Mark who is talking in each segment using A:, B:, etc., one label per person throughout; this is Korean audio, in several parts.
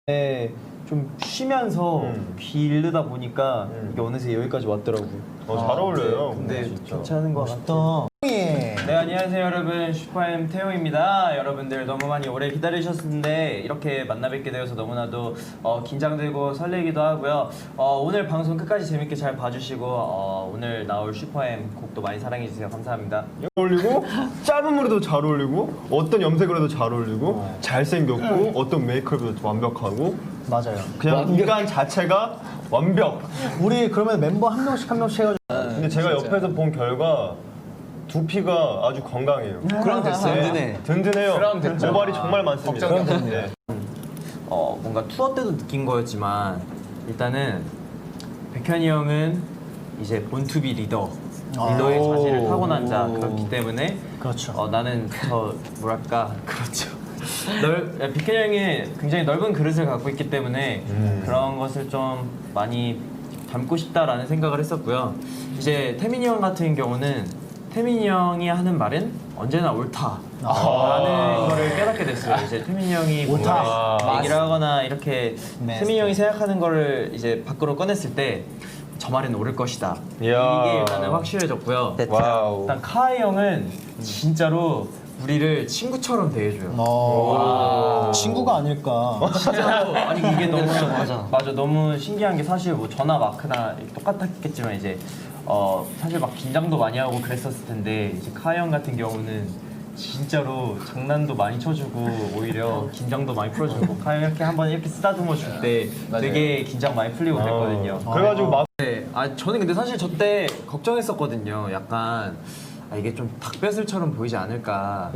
A: 좀 쉬면서 빌르다 보니까 이게 어느새 여기까지 왔더라고요.
B: 잘 어울려요.
A: 네, 근데 괜찮은 것
C: 멋있다.
A: 같아요. 네, 안녕하세요 여러분, 슈퍼엠 태용입니다. 여러분들 너무 많이 오래 기다리셨는데 이렇게 만나 뵙게 되어서 너무나도 긴장되고 설레기도 하고요. 오늘 방송 끝까지 재밌게 잘 봐주시고 오늘 나올 슈퍼엠 곡도 많이 사랑해주세요. 감사합니다.
B: 어울리고 짧은 머리도 잘 어울리고 어떤 염색을 해도 잘 어울리고 잘생겼고 어떤 메이크업도 완벽하고
C: 맞아요.
B: 그냥 인간 자체가 완벽.
C: 우리 그러면 멤버 한 명씩 해가지고.
B: 근데 제가 옆에서 본 결과 두피가 아주 건강해요.
D: 그럼 됐어.
B: 네, 든든해요.
D: 그럼 됐죠.
B: 모발이 정말 많습니다. 네.
A: 뭔가 투어 때도 느낀 거였지만 일단은 백현이 형은 이제 본투비 리더의 자질을 타고난 자 그렇기 때문에
C: 그렇죠.
A: 나는 뭐랄까 그렇죠. 백현이 형이 굉장히 넓은 그릇을 갖고 있기 때문에 그런 것을 좀 많이 담고 싶다라는 생각을 했었고요. 이제 태민이 형 같은 경우는 태민이 형이 하는 말은 언제나 옳다라는 거를 깨닫게 됐어요. 이제 태민이 형이
C: 옳다.
A: 뭔가 얘기를 하거나 이렇게 태민이 형이 생각하는 거를 이제 밖으로 꺼냈을 때 저 말은 옳을 것이다.
B: 이야.
A: 이게 일단은 확실해졌고요.
B: 와우.
A: 일단 카이 형은 진짜로 우리를 친구처럼 대해줘요.
C: 친구가 아닐까.
A: 진짜로 아니 이게 너무 맞아 너무 신기한 게 사실 뭐 저나 마크나 똑같았겠지만 이제 사실 막 긴장도 많이 하고 그랬었을 텐데 이제 카이 형 같은 경우는 진짜로 장난도 많이 쳐주고 오히려 긴장도 많이 풀어주고 카이 형 이렇게 한번 이렇게 쓰다듬어 줄 때 되게 긴장 많이 풀리고 그랬거든요.
B: 그래가지고 막
A: 네, 저는 근데 사실 저 때 걱정했었거든요. 약간 이게 좀 닭배슬처럼 보이지 않을까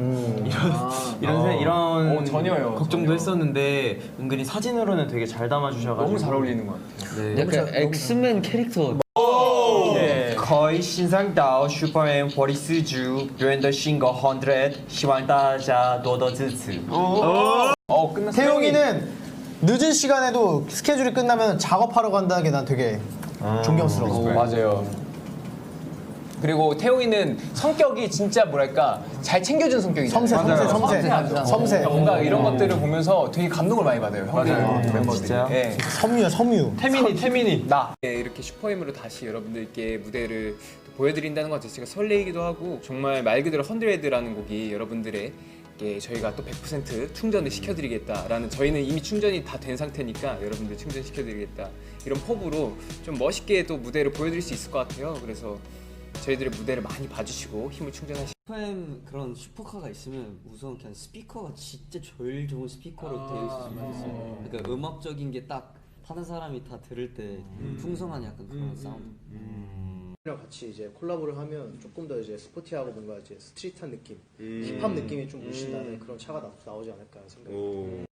A: 이런
D: 전혀요,
A: 걱정도
D: 전혀.
A: 했었는데 은근히 사진으로는 되게 잘 담아주셔가지고
D: 너무 잘 어울리는 것 같아요.
A: 네.
E: 약간 엑스맨 캐릭터.
A: 네. 可以欣赏到 슈퍼엠 火力四주表演的新歌100，希望大家多多支持。
D: 끝났어.
C: 태용이는 늦은 시간에도 스케줄이 끝나면 작업하러 간다는 게 난 되게 존경스러워.
D: 맞아요. 그리고 태용이는 성격이 진짜 뭐랄까 잘 챙겨준 성격이잖아요.
C: 섬세.
D: 뭔가 이런 것들을 보면서 되게 감동을 많이 받아요. 형들 멤버들이.
A: 진짜요?
D: 예.
C: 섬유.
B: 태민이
D: 나. 이렇게 슈퍼엠으로 다시 여러분들께 무대를 또 보여드린다는 것 자체가 설레이기도 하고 정말 말 그대로 100라는 곡이 여러분들에게 저희가 또 100% 충전을 시켜드리겠다라는 저희는 이미 충전이 다 된 상태니까 여러분들 충전시켜드리겠다 이런 포부로 좀 멋있게 또 무대를 보여드릴 수 있을 것 같아요. 그래서 저희들의 무대를 많이 봐주시고 힘을 충전하시고
E: 슈퍼엠 그런 슈퍼카가 있으면 우선 그냥 스피커가 진짜 제일 좋은 스피커로 되어 있었으면 좋겠어요. 그러니까 음악적인 게 딱 타는 사람이 다 들을 때 풍성한 약간 그런 사운드.
F: 랑 같이 이제 콜라보를 하면 조금 더 이제 스포티하고 뭔가 이제 스트릿한 느낌, 힙합 느낌이 좀 물씬 나는 그런 차가 나오지 않을까 생각합니다.